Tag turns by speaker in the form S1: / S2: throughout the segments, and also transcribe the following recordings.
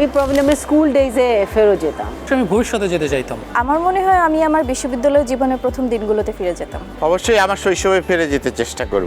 S1: আমি প্রবলেমে স্কুল ডেজে ফেরত যেতাম।
S2: আমি ভবিষ্যতে যেতে চাইতাম।
S3: আমার মনে হয় আমি আমার বিশ্ববিদ্যালয় জীবনের প্রথম দিনগুলোতে ফিরে যেতাম।
S4: অবশ্যই আমার শৈশবে ফিরে যেতে চেষ্টা করব।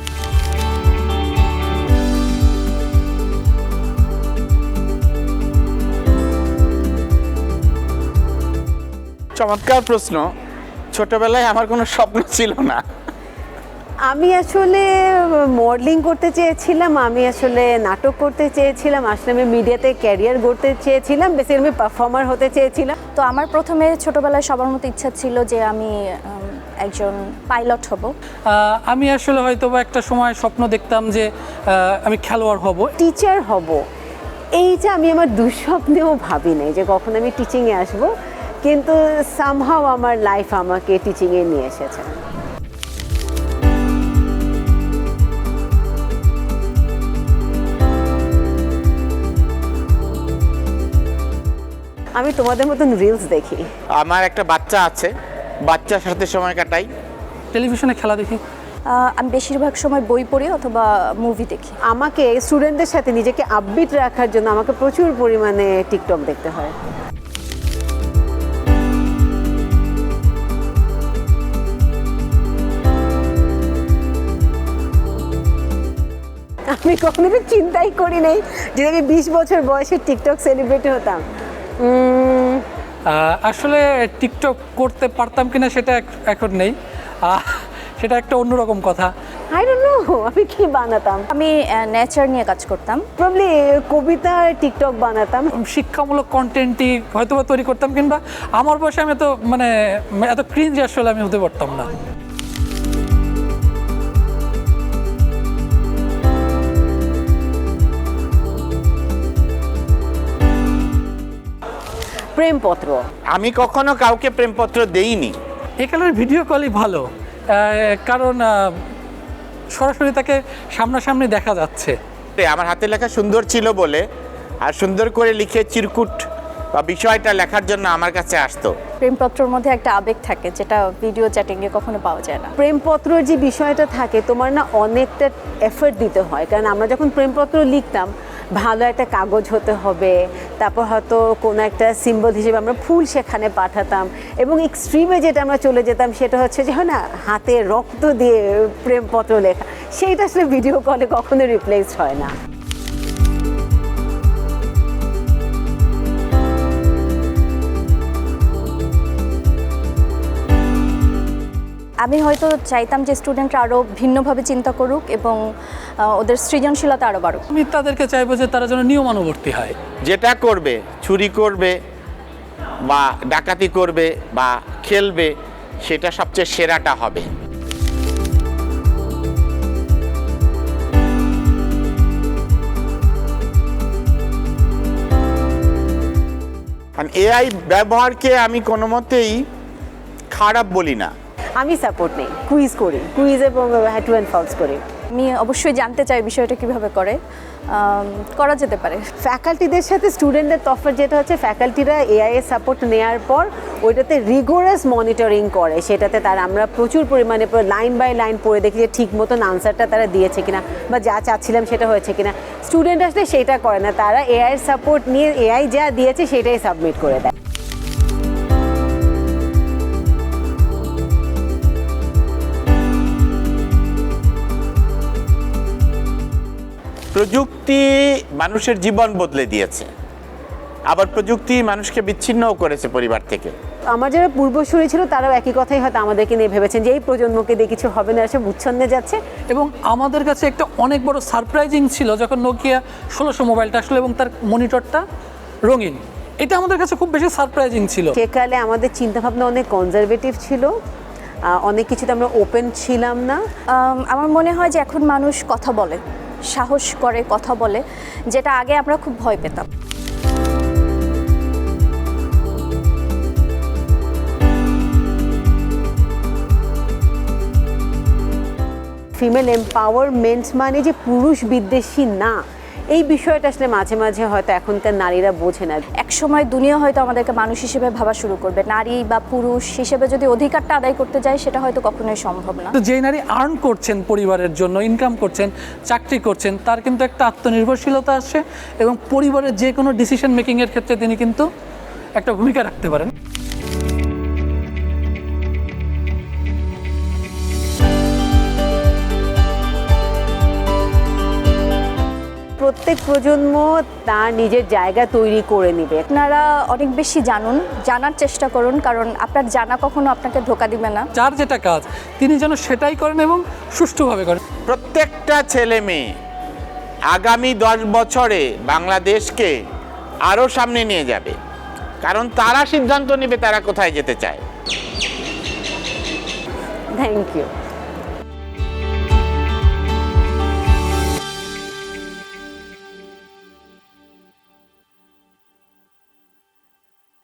S4: চমৎকার প্রশ্ন। ছোটবেলায় আমার কোনো স্বপ্ন ছিল না।
S1: আমি আসলে মডেলিং করতে চেয়েছিলাম, আমি আসলে নাটক করতে চেয়েছিলাম, আসলে আমি মিডিয়াতে ক্যারিয়ার গড়তে চেয়েছিলাম, বেসিক্যালি আমি পারফর্মার হতে চেয়েছিলাম।
S3: তো আমার প্রথমে ছোটবেলায় সবার মতো ইচ্ছা ছিল যে আমি একজন পাইলট হব।
S2: আমি আসলে হয়তো বা একটা সময় স্বপ্ন দেখতাম যে আমি খেলোয়াড় হব,
S1: টিচার হব। এইটা আমি আমার দুঃস্বপ্নেও ভাবি নাই যে কখন আমি টিচিংয়ে আসব, কিন্তু সামহাও আমার লাইফ আমাকে টিচিংয়ে নিয়ে এসেছে। আমি তোমাদের মতন রিলস দেখি।
S4: আমার একটা বাচ্চা আছে, বাচ্চার সাথে সময় কাটাই।
S2: টেলিভিশনে খেলা দেখি।
S3: আমি বেশিরভাগ সময় বই পড়ি অথবা মুভি দেখি।
S1: আমাকে স্টুডেন্টদের সাথে নিজেকে আপবিট রাখার জন্য আমাকে প্রচুর পরিমাণে টিকটক দেখতে হয়। আমি কখনো চিন্তাই করি নাই যে আমি 20 বছর বয়সে টিকটক সেলিব্রিটি হতাম।
S2: আসলে টিকটক করতে পারতাম কিনা সেটা এখন নেই, সেটা একটা অন্যরকম কথা।
S1: আই ডোন্ট নো আমি কি বানাতাম।
S3: আমি নেচার নিয়ে কাজ করতাম।
S1: প্রবলি কবিতা টিকটক বানাতাম।
S2: শিক্ষামূলক কন্টেন্টই হয়তো বা তৈরি করতাম, কিংবা আমার বয়সে আমি তো এত ক্রিঞ্জ আসলে আমি হতে পারতাম না।
S1: প্রেমপত্র
S4: আমি কখনো কাউকে প্রেমপত্র দেইনি।
S2: এখানের ভিডিও কলই ভালো, কারণ সরাসরি তাকে সামনাসামনি দেখা যাচ্ছে।
S4: আমার হাতে লেখা সুন্দর ছিল বলে আর সুন্দর করে লিখে চিরকুট বা বিষয়টা লেখার জন্য আমার কাছে আসতো।
S3: প্রেমপত্রের মধ্যে একটা আবেগ থাকে যেটা ভিডিও চ্যাটিংয়ে কখনো পাওয়া যায় না।
S1: প্রেমপত্রের যে বিষয়টা থাকে তোমার না অনেকটা এফর্ট দিতে হয়, কারণ আমরা যখন প্রেমপত্র লিখতাম ভালো একটা কাগজ হতে হবে, তারপর হয়তো কোনো একটা সিম্বল হিসেবে আমরা ফুল সেখানে পাঠাতাম, এবং এক্সট্রিমে যেটা আমরা চলে যেতাম সেটা হচ্ছে যে হয় না হাতে রক্ত দিয়ে প্রেমপত্র লেখা, সেইটা আসলে ভিডিও কলে কখনো রিপ্লেস হয় না।
S3: আমি হয়তো চাইতাম যে স্টুডেন্টরা আরও ভিন্নভাবে চিন্তা করুক এবং ওদের সৃজনশীলতা আরও বাড়ুক।
S2: আমি তাদেরকে চাইবো যে তারা যেন নিয়মানুবর্তী হয়।
S4: যেটা করবে, চুরি করবে বা ডাকাতি করবে বা খেলবে, সেটা সবচেয়ে সেরাটা হবে। এআই ব্যবহারকে আমি কোনো মতেই খারাপ বলি না।
S1: আমি সাপোর্ট নেই, কুইজ করি, কুইজ এবং হ্যাড টু অ্যান্ড ফলস করি।
S3: আমি অবশ্যই জানতে চাই বিষয়টা কিভাবে করা যেতে পারে।
S1: ফ্যাকাল্টিদের সাথে স্টুডেন্টদের তফাৎ যেটা হচ্ছে, ফ্যাকাল্টিরা এআই এর সাপোর্ট নেওয়ার পর ওইটাতে রিগোরাস মনিটরিং করে, সেটাতে তারা আমরা প্রচুর পরিমাণে লাইন বাই লাইন পড়ে দেখি যে ঠিক মতন আনসারটা তারা দিয়েছে কিনা বা যা চাচ্ছিলাম সেটা হয়েছে কিনা। স্টুডেন্ট আসলে সেটা করে না, তারা এআই এর সাপোর্ট নিয়ে এআই যা দিয়েছে সেটাই সাবমিট করে দেয়।
S4: প্রযুক্তি মানুষের জীবন বদলে দিয়েছে, আবার প্রযুক্তি মানুষকে বিচ্ছিন্নও করেছে পরিবার থেকে।
S1: আমার যারা পূর্বসূরি ছিল তারাও একই কথাই হয়তো আমাদেরকে নিয়ে ভেবেছেন যে এই প্রজন্মকে দিয়ে কিছু হবে না, সব উচ্ছন্নে যাচ্ছে।
S2: এবং আমাদের কাছে একটা অনেক বড় সারপ্রাইজিং ছিল যখন নোকিয়া 1600 মোবাইলটা আসলো এবং তার মনিটরটা রঙিন। এটা আমাদের কাছে খুব বেশি সারপ্রাইজিং ছিল।
S1: সেকালে আমাদের চিন্তাভাবনা অনেক কনজারভেটিভ ছিল, অনেক কিছুতে আমরা ওপেন ছিলাম না।
S3: আমার মনে হয় যে এখন মানুষ কথা বলে, সাহস করে কথা বলে, যেটা আগে আমরা খুব ভয় পেতাম।
S1: ফিমেল এম্পাওয়ারমেন্ট মানে যে পুরুষ বিদ্বেষী না, এই বিষয়টা আসলে মাঝে মাঝে হয়তো এখনকার নারীরা বোঝে না।
S3: একসময় দুনিয়া হয়তো আমাদেরকে মানুষ হিসেবে ভাবা শুরু করবে, নারী বা পুরুষ হিসেবে যদি অধিকারটা আদায় করতে যায় সেটা হয়তো কখনোই সম্ভব না।
S2: তো যেই নারী আর্ন করছেন পরিবারের জন্য, ইনকাম করছেন, চাকরি করছেন, তার কিন্তু একটা আত্মনির্ভরশীলতা আসে এবং পরিবারের যে কোনো ডিসিশন মেকিংয়ের ক্ষেত্রে তিনি কিন্তু একটা ভূমিকা রাখতে পারেন।
S1: প্রত্যেক প্রজন্ম তার নিজের জায়গা তৈরি করে নেবে।
S3: আপনারা অনেক বেশি জানুন, জানার চেষ্টা করুন, কারণ আপনার জানা কখনো আপনাকে ধোঁকা দিবে না।
S2: যার যেটা কাজ তিনি যেন সেটাই করেন এবং সুষ্ঠুভাবে করেন।
S4: প্রত্যেকটা ছেলে মেয়ে আগামী 10 বছরে বাংলাদেশকে আরও সামনে নিয়ে যাবে, কারণ তারা সিদ্ধান্ত নেবে তারা কোথায় যেতে চায়।
S1: Thank you.